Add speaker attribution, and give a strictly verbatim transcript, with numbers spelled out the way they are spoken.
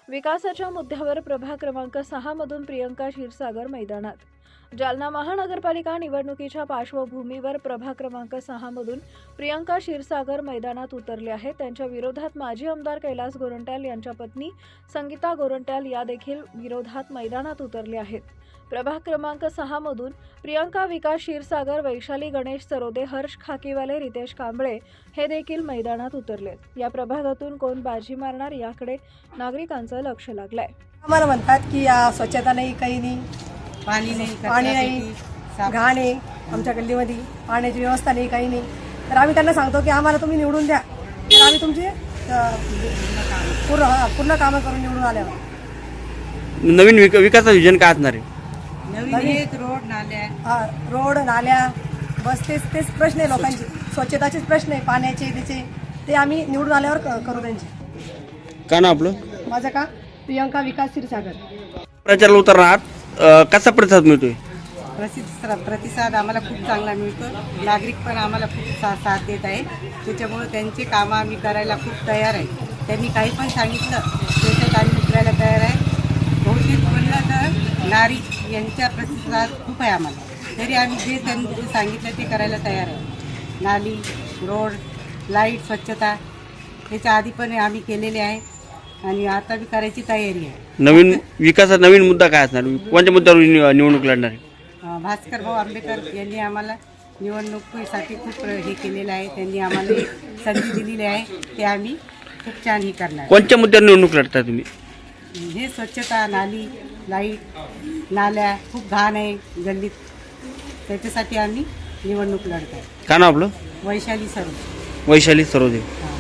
Speaker 1: विकासाच्या मुद्द्यावर प्रभाग क्रमांक सहा मधून प्रियंका क्षीरसागर मैदानात. जालना महानगरपालिका निवडणुकीच्या पार्श्वभूमीवर प्रभाग क्रमांक सहा मधून प्रियंका क्षीरसागर मैदानात उतरले आहेत. त्यांच्या विरोधात माजी आमदार कैलास गोरंट्याल यांच्या पत्नी संगीता गोरंट्याल या देखील विरोधात मैदानात उतरले आहेत. प्रभाग क्रमांक सहा मधून प्रियंका विकास क्षीरसागर, वैशाली गणेश सरोदे, हर्ष खाकीवाले, रितेश कांबळे हे देखील मैदानात उतरले. या प्रभागातून कोण बाजी मारणार याकडे नागरिकांचं लक्ष लागलंय.
Speaker 2: आम्हाला म्हणतात की या स्वच्छता नाही, काही नाही,
Speaker 3: पाणी नाही,
Speaker 2: पाणी नाही, घाण आहे, आमच्या गल्लीमध्ये पाण्याची व्यवस्था नाही, काही नाही. तर आम्ही त्यांना सांगतो की आम्हाला तुम्ही निवडून द्या, तर आम्ही तुमची अ, पूर्ण पूर्ण कामं करून निवडून आल्यावर.
Speaker 4: नवीन विक विकासाचं विजन काय असणार आहे?
Speaker 3: नवीन हेच रोड नाल्या
Speaker 2: हा, रोड नाल्या बस तेच तेच प्रश्न आहे लोकांचे, स्वच्छताचेच प्रश्न आहे, पाण्याचे त्याचे, ते आम्ही निवडून आल्यावर क- करू त्यांचे.
Speaker 4: का ना आपलं
Speaker 2: माझं का प्रियंका विकास क्षीरसागर.
Speaker 4: प्रचाराला उतरणार आहात, अं, कसा प्रतिसाद मिळतोय?
Speaker 3: प्रसिद्ध प्रतिसाद आम्हाला खूप चांगला मिळतो. नागरिक पण आम्हाला खूप सा साथ देत आहे. त्याच्यामुळे त्यांचे कामं आम्ही करायला खूप तयार आहे. त्यांनी काही पण सांगितलं त्याच्यात आम्ही उतरायला तयार आहे. बहुतेक म्हणलं तर नारी यांचा प्रतिसाद खूप आहे आम्हाला. तरी आम्ही जे त्यांनी जे सांगितलं ते करायला तयार आहे. नाली, रोड, लाईट, स्वच्छता त्याच्या आधी पण आम्ही केलेले आहे आणि आता बी करायची तयारी आहे.
Speaker 4: नवीन विकासाचा नवीन मुद्दा काय असणार? कोणत्या मुद्द्यावर नि- निवडणूक लढणार आहे?
Speaker 3: अं, भास्कर भाऊ आंबेडकर यांनी आम्हाला निवडणुकीसाठी खूप हे केलेलं आहे. त्यांनी आम्हाला एक संधी दिलेली आहे. ते आम्ही खूप छान हे करणार.
Speaker 4: कोणत्या मुद्द्यावर निवडणूक लढता तुम्ही?
Speaker 3: हे स्वच्छता, नाली, लाईट, नाल्या खूप घाण आहे गल्लीत. त्याच्यासाठी आम्ही निवडणूक लढत आहे.
Speaker 4: का ना आपलं
Speaker 3: वैशाली सरोदे.
Speaker 4: वैशाली सरोदे.
Speaker 3: हां.